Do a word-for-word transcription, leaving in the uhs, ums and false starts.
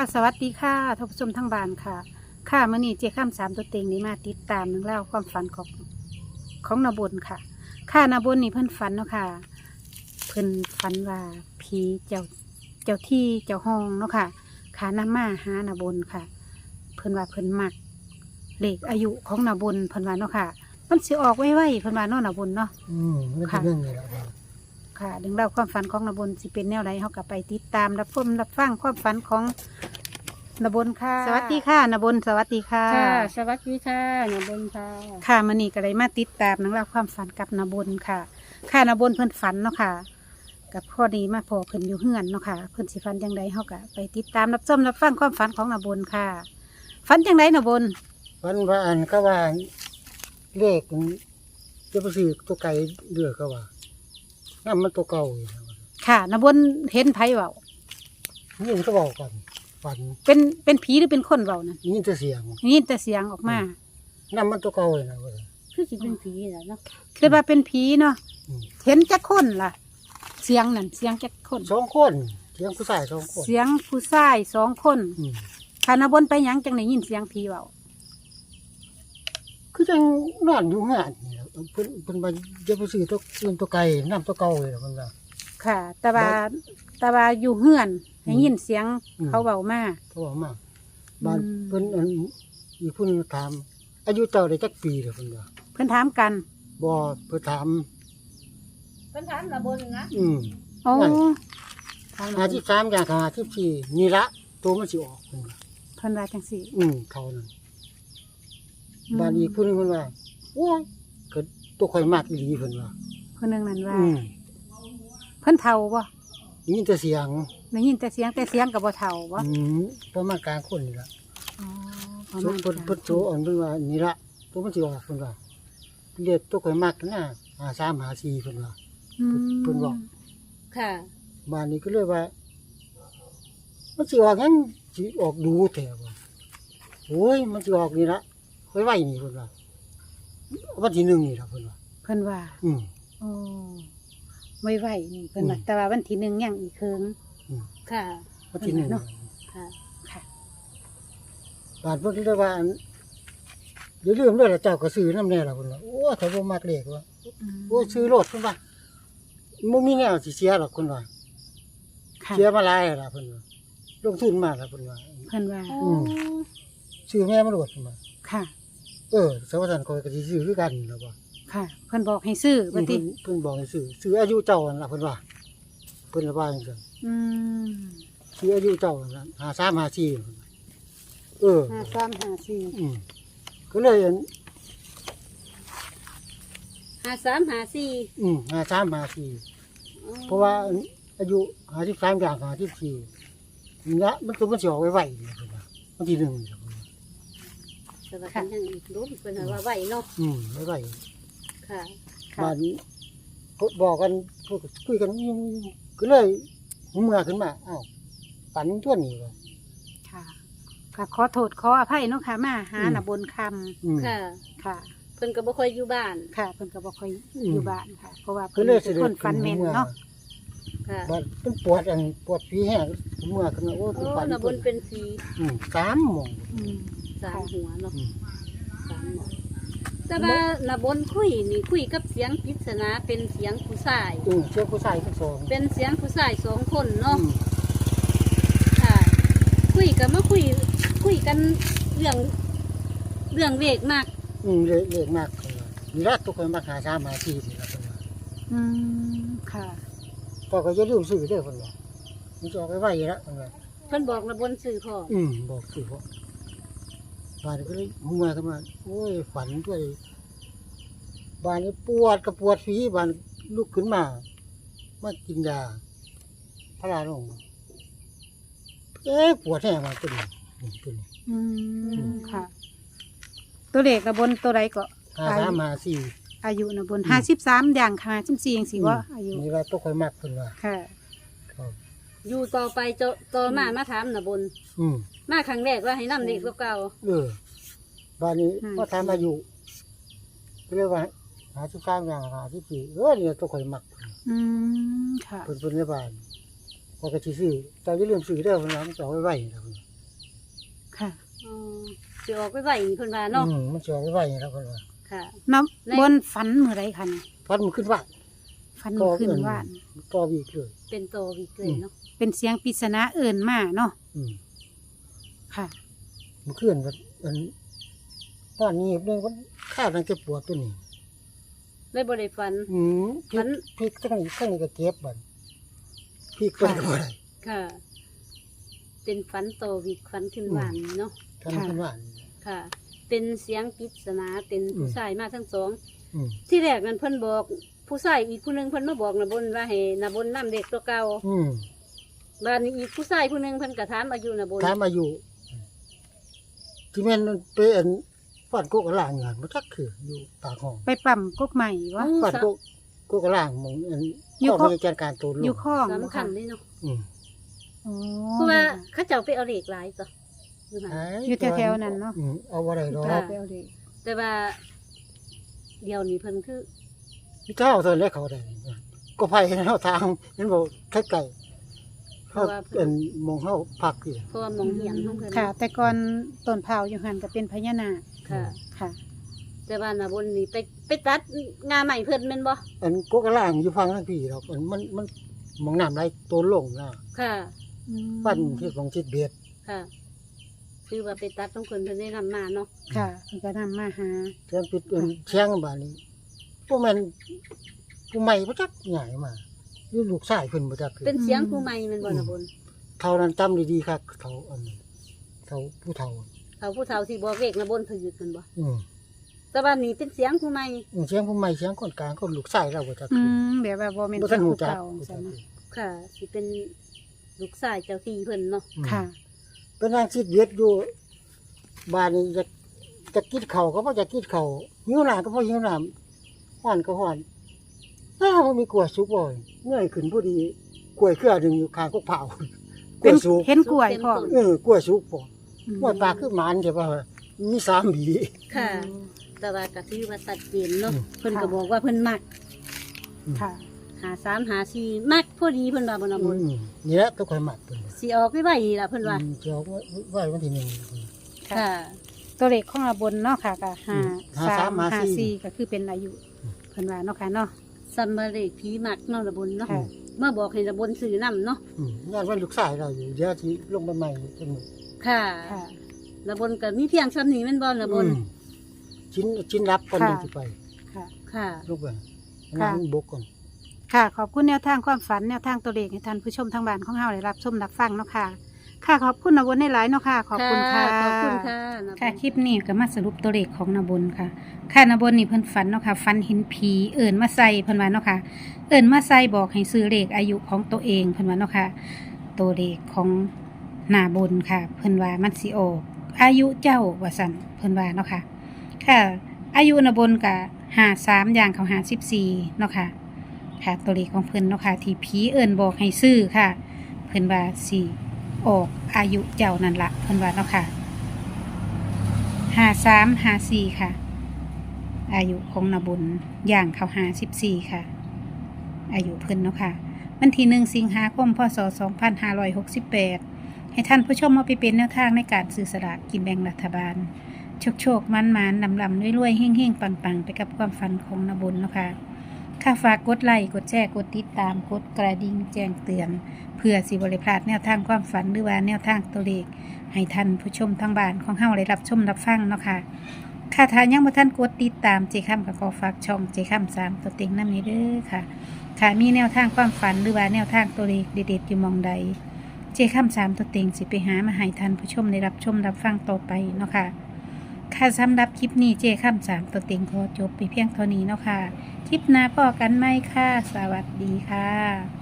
ค่ะสวัสดีค่ะท่านผู้ชมทั้งบ้านค่ะค่ะมื่อนี้เจ้าข้ามสามตัวเต็งนี้มาติดตามหนึ่องเล่าวความฝันของของนาบนค่ะค่ะนาบนนี่เพิ่นฝันเนาะค่ะเพิ่นฝันว่าผีเจ้าเจ้าที่เจ้าห้องเนาะค่ะขานำมาหานาบนค่ะ เพิ่นว่าเพิ่นมักเลขอายุของนาบนเพิ่นว่าเนาะค่ะมันสิออกไว้ๆเพิ่นว่าเนาะนาบนเนาะอืมมันเป็นเรื่องนี้แหละครับค่ะเรื่องราวความฝันของนบนสิเป็นแนวไรเขากับไปติดตามรับชมรับฟังความฝันของนบนค่ะ สวัสดีค่ะนบนสวัสดีค่ะค่ะสวัสดีค่ะนบนค่ะค่ะมันนี่ก็เลยมาติดตามเรื่องราวความฝันกับนบนค่ะ ค่ะนบนเพิ่นฝันเนาะค่ะ กับข้อดีมาพอเพิ่นอยู่เฮือนเนาะค่ะเพิ่นสิฝันยังไงเขากับไปติดตามรับชมรับฟังความฝันของนบนค่ะฝันยังไงนบนวันว่าอันก็ว่าเลขมันจะไปซื้อตัวไก่เดือก็ว่านั่นมันตัวเก่าอยู่นะค่ะนบนเห็นไผเบานี่มันก็บอกกันฝันเป็นเป็นผีหรือเป็นคนเบานั่นยินแต่เสียงยินแต่เสียงออกมานั่นมันตัวเก่าเลยนะว่าคือสิเป็นผีแหละเนาะคือว่าเป็นผีเนาะอืมเห็นจักคนล่ะ เสียงนั่นเสียงจักคนสองคนเสียงผู้ชายสองคนเสียงผู้ชายสองคนอืมคานาบนไปหยังจังไหนยินเสียงผีเบาคือจังนอนอยู่งานนี่แหละเพิ่นเพิ่นมาจะไปซื้อตัวเรื่องตัวไก่น้ำตัวเก่าเลยนะมันว่าค่ะ แต่ว่าแต่ว่าอยู่เฮือนให้ยินเสียงอืมเขาเบามาเขาบอกมาบ้านอืมเพิ่นอันอีกผู้หนึงถาม อายุเจ้าได้จักปีเหรอเพิ่นว่าเพิ่นถามกันบ่เพิ่นถามเป็นถามนบนนะอืมโอ้ไม่ถามหาที่สามอย่างกับหาที่สี่นี่ละตัวมันสิออกเพิ่นว่าเพิ่นว่าจังสี่อืมเท่านั้นบ้านอีกผู้หนึงเพิ่นว่าโอ้ยก็ตัวข่อยมากอีหลีเพิ่นว่าเพิ่นนึงนั่นว่าอืมเพิ่นเฒ่าบ่ได้ยินแต่เสียงได้ยินแต่เสียงแต่เสียงกับบ่เฒ่าบ่อืมประมาณกลางคนนี่ล่ะอ๋อประโซมาณเพิ่นเพิ่นโซอ่อนเพิ่นว่านี่ละตัวมันสิออกเพิ่นว่าเรียกตัวข่อยมากนะหาสามหาสี่เพิ่นว่าอืมเพิ่นบอกค่ะบ้านนี้ก็เลยว่า มันสิออกงั้นสิออกดูแถวว่าโอ้ยมันสิออกนี่ละไว้ไว้นี่เพิ่นว่าวันที่หนึ่งนี่ล่ะเพิ่นว่าเพิ่นว่าอืมโอ้ไว้ไว้นี่เพิ่นว่าอืมแต่ว่าวันที่หนึ่งยังอีกเคิงอืมค่ะวันที่หนึ่งเนาะค่ะค่ะบ้านเพิ่นก็เลยว่าอย่าลืมเด้อล่ะเจ้าก็ซื้อน้ำแน่ล่ะเพิ่นว่าโอ้ยถ้าบ่มักเลขว่าอืมโอ้ยซื้อรถเพิ่นว่าบ่มีแนวสิเสียหรอกเพิ่นว่าค่ะเสียมาหลายแล้วล่ะเพิ่นว่าลงทุนมาแล้วเพิ่นว่าเพิ่นว่าอืม ซื้อแม่มาโลดเพิ่นว่าค่ะเออสวัสดิ์ก็ก็สิซื้อคือกันแล้วว่าค่ะ เพิ่นบอกให้ซื้อเพิ่บันดนี้เพิ่นบอกให้ซื้อซื้ออายุเจ้านั่นล่ะเพิ่นว่าเพิ่นว่าจังซั่นอืมซื้ออายุเจ้านั่นล่ะหาสามหาสี่เพิ่นว่าเออห้าสามห้าสี่อืมก็เลยอันหาสามหาสี่อืมหาสามหาสี่เพราะว่าอันอายุหาสิบสามอย่างหาสิบสี่นี่ละมันตัวมันสิออกไว้ไว้นี่เพิ่นว่าวันที่หนึ่งนี่ล่ะเพิ่นว่าสวัสดียังอีกรู้เป็นว่าไหวเนาะอืมไว้ไว้ค่ะบ้านนี้ก็บอกกันพูดคุยกันอยู่ก็เลยเมื่อขึ้นมาอ้าวฝันตัวนี้ว่าค่ะก็ขอโทษขออภัยเนาะค่ะ มาหาอืมน่ะบนคค่ะำค่ะเพิ่นก็บ่ค่อยอยู่บ้านค่ะเพิ่นก็บ่ค่อยอืมอยู่บ้านค่ะ เพราะว่าก็เพิ่นเลยเป็นคนฝันแม่นเนาะค่ะบ้านเป็นปวดอันปวดผีแห้งเมื่อขึ้นมาโอ้โอ้เป็นฝันนบนเป็นผีอืมสามโมงอืมสามหัวเนาะอืมสามหัวแต่ว่านบนคุยนี่คุยกับเสียงปริศนาเป็นเสียงผู้ชายอืมเชื่อผู้ชายทั้งสองเป็นเสียงผู้ชายสองคนอืเนาะมค่ะ คุยกันมาคุย คุยกันเรื่องเรื่องเวกมากอืมเละเละมากเลยนี่ละทุกคนมาหาสามหาสี่นี่ละคนว่าอืมค่ะก็ก็จะลืมซื้อเด้อคนว่ามันจะออกไปไว้ละคนว่าเพิ่นบอกระบนสื่อพ่ออืมบอกซื้อเพราะบ้านนี้ก็เลยหัวขึ้นมาโอ้ยฝันด้วยบ้านนี้ปวดกับปวดฝีบ้านลุกขึ้นมามากินยาพาราลงเอ๊ะปวดแห้งมาตัวนี้อืมตัวนี้อืมค่ะ ตัวเลขน่ะบนตัวใดก็หาสามหาสี่อายุน่ะบนอืมห้าสิบสามอย่างห้าสิบสี่จังซี่ว่าอายุนี่ว่าตัวคอยมากคนว่าค่ะครับอยู่ต่อไปจะต่อมามาถามนะบนอืมมาครั้งแรกว่าให้นำเด็กเก่าเออบ้านนี้อืมพอทำอายุก็เรียกว่าหาสิบสามอย่างหาสิบสี่เออเนี่ยตัวคอยมักอืมค่ะเพิ่นเพิ่นในบ้านพอกระชิซื้อแต่อย่าลืมซื้อเด้อเพิ่นว่ามันจะเอาไว้ไว้นะเพิ่นคค่ะอ๋อสิออกไปไหวเพิ่นว่าเนาะอืมมันจะเอาไว้ไว้แล้วคนว่าค่ะน้ำบนฝันเมื่อไรคะนี่ฟันมันขึ้นว่าฝันเมื่อคืนว่านต่อวีกเลยเป็นโตวิกเลยเนาะเป็นเสียงปริศนาเอิ่นมาเนาะอืมค่ะมันขึ้นมันมันตอนนี้เรื่องมันข้าวนั่นจะปวดตัวนี้เลยบ่ได้ฝันอืมพมัริกนพริกตั้งนี้ตั้งนี้ก็เจ็บบัดพริกตัวก็บ่ได้ค่ะ เป็นฝันโตวิกฝันขึ้นหวานเนาะทำขึ้นว่าค่ะ เป็นเสียงปริศนาเป็นผู้อืมชายมาทั้งสองอืมที่แรกนั้นเพิ่นบอกผู้ชายอีกผู้หนึงเพิ่นมาบอกนะบนว่าให้นะบนนำเด็กตัวเก่าอืมบ้านนี้อีกผู้ชายผู้หนึงเพิ่นก็ถามอายุนะบนถามอายุที่แม่นมันเป็นฟันโกกกระล่างงานมันจักคืออยู่ปากห้องไปปั่มกกใหม่วะฟันโกกโกกกระล่างหมองอันอยู่ข้อข้อมีการการตัวลอยู่งข้องสำคัญเลยเนาะอืมอ๋อเพราะว่าเขาเจ้าไปเอาเหล็กหลายจ้ะอยู่นั่นอยู่แถวๆนั้นเนาะอืมเอาบ่ได้ดอกค่ะไปเอาเลยแต่ว่าเดี๋ยวนี้เพิ่นคือพี่เจ้าเท่านั้นเขาได้ก็ไผเฮาทางเห็นบ่ไกลๆเขาเป็นหมองเฮาพักอยู่เพราะว่ามองเหียนของเพิ่นค่ะ แต่ก่อนต้นเผาอยู่หันก็เป็นพญานาคค่ะค่ะแต่ว่านะบนนี่ไปไปตัดงาใหม่เพิ่นแม่นบ่อันโกกกระล่างอยู่ฟังทางพี่ดอกอันมันมันหมองน้ำไหลตัวลงนะค่ะปั้นที่ของจิตเบียดค่ะ คือว่าไปตัดของเพิ่นเพิ่นได้นำมาเนาะค่ะเพิ่นก็นำมาหาเชียงปิดเอิ้นเชียงบาดนี้พวกมันผู้ใหม่บ่จักใหญ่มาอยู่ลูกชายเพิ่นบ่จักคือเป็นเสียงผู้ใหม่แม่นบ่นะบนเท่านั้นจำดีๆครับเขาอันนี้เขาผู้เฒ่าเขาผู้เฒ่าที่บอกเลขนะบนเพิ่นอยู่เพิ่นบ่อืมแต่ว่านี่เป็นเสียงผู้ใหม่อืมเสียงผู้ใหม่เสียงคนกลางคนลูกชายเราบ่จักอืคือมแบบว่าบ่แม่นบ่ทันหูจักเก่าบ่จัจังกนะค่ะสิเป็นลูกชายเจ้าที่เพิ่นเนาะอืมค่ะเป็นนางจิตเบียดอยู่บ้านนี้จะจะกินข้าวก็บ่จะกินข้าวหิวน้ำก็บ่หิวน้ำฮ้อนก็ฮ้อนอ้าวมันมีกล้วยสุกบ่เงยขึ้นพอดีกล้วยเครือหนึงอยู่ข้างกกเผากล้เป็วน ยสุกเห็นกล้วยพ่อเออกล้วยสุกพออืมกล้วยปลาคือหมานใช่ป่ะมีสามหวีค่ะ แต่ว่าก็ถือว่าชัดเจนเนาะอืมเพิ่นก็บอกว่าเพิ่นมักค่ะหาสามหาสี่มักพอดีเพิ่นว่าบ่นะบนอืมนี่แหละต้องคอยหมักเพิ่นสิออกไปไว้นี่ล่ะเพิ่นว่าอืมจะเอาไว้ไว้วันที่หนึ่งค่ะตัวเลขของระบนเนาะค่ะก็ห้าห้าสาสาม มห้าห้าสี่สี่ก็คือเป็นอายุเพิ่นว่าเนาะค่ะเนาะซัมมาเลขผีมักเนาะนะบนเนาะค่ะมาบอกให้นะบนซื้อนำเนาะอืมงานวันลูกชายเราอยู่เดี๋ยวที่ลงมาใหม่เป็นหมู่ค่ะค่ะนะบนก็มีเพียงซ้ำนี้แม่นบ่นะบนอืมชิ้นชิ้นรับก่อนค่ะหนึ่งสิไปค่ะค่ะลงไปค่ะนั่งบกก่อนค่ะ ขอบคุณแนวทางความฝันแนวทางตัวเลขให้ท่านผู้ชมทางบ้านของเฮาได้รับชมรับฟังเนาะค่ะ ค่ะขอบคุณนวลในหลายๆเนาะค่ะ ขอบคุณค่ะขอบคุณค่ะนะบนค่ะคลิปนี้ก็มาสรุปตัวเลขของนบนค่ะ ค่ะนบนนี่เพิ่นฝันเนาะค่ะฝันเห็นผีเอิ่นมาใส่เพิ่นว่าเนาะค่ะ เอิ่นมาใส่บอกให้ซื้อเลขอายุของตัวเองเพิ่นว่าเนาะค่ะ ตัวเลขของหน้าบนค่ะ เพิ่นว่ามันสิออกอายุเจ้าว่าซั่นเพิ่นว่าเนาะค่ะ ค่ะ อายุนบนก็ห้าสามอย่างเขาห้าสิบสี่เนาะค่ะ ค่ะตัวเลขของเพิ่นเนาะค่ะที่ผีเอิ่นบอกให้ซื้อค่ะ เพิ่นว่าสิออกอายุเจ้านั่นละเพิ่นว่าเนาะค่ะห้าสามห้าสี่ค่ะ อายุของนบุญย่างเขาห้าสิบสี่ค่ะ อายุเพิ่นเนาะค่ะวันที่หนึ่งสิงหาคมพศสองพันห้าร้อยหกสิบแปดให้ท่านผู้ชมมาไปเป็นแนวทางในการซื้อสลากกินแบ่งรัฐบาล โชคโชคมันมันลำลำรวยๆเฮ่งเฮ่งปังปังไปกับความฝันของนบุญเนาะค่ะค่ะฝากกดไลค์กดแชร์กดติดตามกดกระดิ่งแจ้งเตือน เพื่อสิบริพลาดแนวทางความฝันหรือว่าแนวทางตัวเลขให้ท่านผู้ชมทางบ้านของเฮาได้รับชมรับฟังเนาะค่ะค่ะถ้ายังบ่ท่านกดติดตามเจค่ำกับขอฝากช่องเจค่ำสามตัวเต็งน้ำนี้เด้อค่ะค่ะมีแนวทางความฝันหรือว่าแนวทางตัวเลขเด็ดๆอยู่หมองใดเจค่ำสามตัวเต็งสิไปหามาให้ท่านผู้ชมได้รับชมรับฟังต่อไปเนาะค่ะค่ะสำหรับคลิปนี้เจค่ำสามตัวเต็งขอจบไปเพียงเท่านี้เนาะค่ะคลิปหน้าพบกันไหมค่ะสวัสดีค่ะ